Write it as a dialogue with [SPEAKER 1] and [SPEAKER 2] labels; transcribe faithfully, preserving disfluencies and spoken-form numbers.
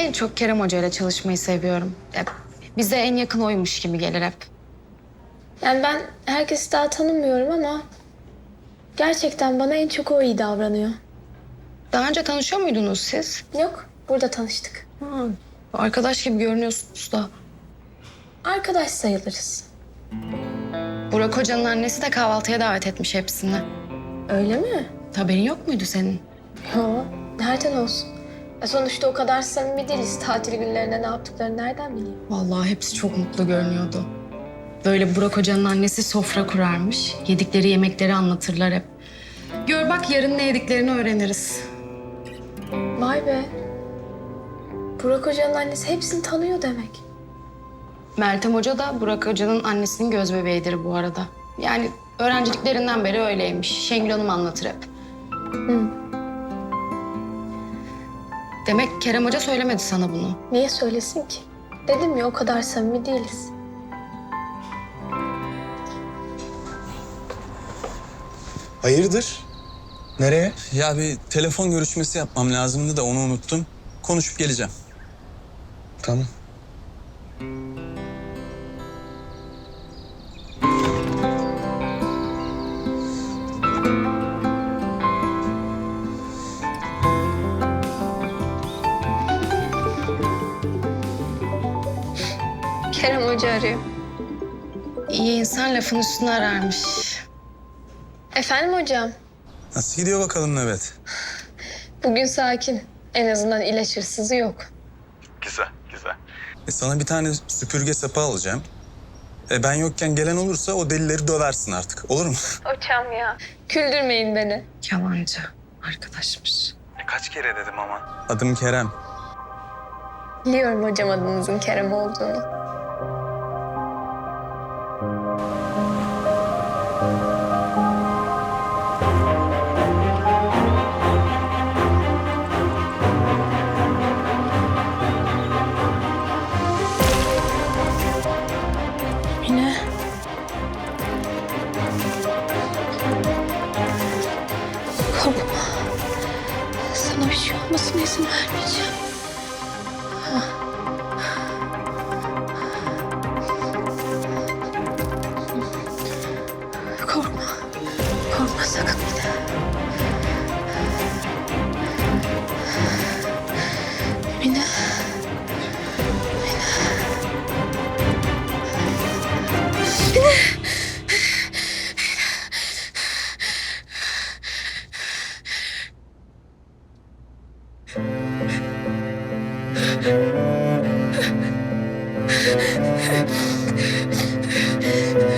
[SPEAKER 1] en çok Kerem Hoca ile çalışmayı seviyorum. Ya, bize en yakın oymuş gibi gelir hep.
[SPEAKER 2] Yani ben herkesi daha tanımıyorum ama gerçekten bana en çok o iyi davranıyor.
[SPEAKER 1] Daha önce tanışıyor muydunuz siz?
[SPEAKER 2] Yok, burada tanıştık.
[SPEAKER 1] Ha, arkadaş gibi görünüyorsunuz da.
[SPEAKER 2] Arkadaş sayılırız.
[SPEAKER 1] Burak Hoca'nın annesi de kahvaltıya davet etmiş hepsini.
[SPEAKER 2] Öyle mi?
[SPEAKER 1] Haberin yok muydu senin?
[SPEAKER 2] Yo, nereden olsun? E sonuçta o kadar samimi değiliz. Tatil günlerinde ne yaptıklarını nereden bileyim?
[SPEAKER 1] Vallahi hepsi çok mutlu görünüyordu. Böyle Burak Hoca'nın annesi sofra kurarmış. Yedikleri yemekleri anlatırlar hep. Gör bak yarın ne yediklerini öğreniriz.
[SPEAKER 2] Vay be. Burak Hoca'nın annesi hepsini tanıyor demek.
[SPEAKER 1] Meltem Hoca da Burak Hoca'nın annesinin göz bebeğidir bu arada. Yani öğrenciliklerinden beri öyleymiş. Şengül Hanım anlatır hep.
[SPEAKER 2] Hı.
[SPEAKER 1] Demek Kerem Hoca söylemedi sana bunu.
[SPEAKER 2] Niye söylesin ki? Dedim ya o kadar samimi değiliz.
[SPEAKER 3] Hayırdır? Nereye?
[SPEAKER 4] Ya bir telefon görüşmesi yapmam lazımdı da onu unuttum. Konuşup geleceğim.
[SPEAKER 3] Tamam.
[SPEAKER 2] Kerem Hoca arıyor.
[SPEAKER 1] İyi insan lafın üstüne ararmış.
[SPEAKER 2] Efendim hocam?
[SPEAKER 4] Nasıl gidiyor bakalım nöbet?
[SPEAKER 2] Bugün sakin. En azından ilaç hırsızı yok.
[SPEAKER 4] Güzel, güzel. E sana bir tane süpürge sapı alacağım. E ben yokken gelen olursa o delileri döversin artık. Olur mu?
[SPEAKER 2] Hocam ya. Küldürmeyin beni.
[SPEAKER 1] Yalancı arkadaşmış.
[SPEAKER 4] E kaç kere dedim ama. Adım Kerem.
[SPEAKER 2] Biliyorum hocam adınızın Kerem olduğunu. Yine. Korkma. Sana bir şey olmasına izin vermeyeceğim. Korkma. Korkma sakın bir de. Mine. Mine.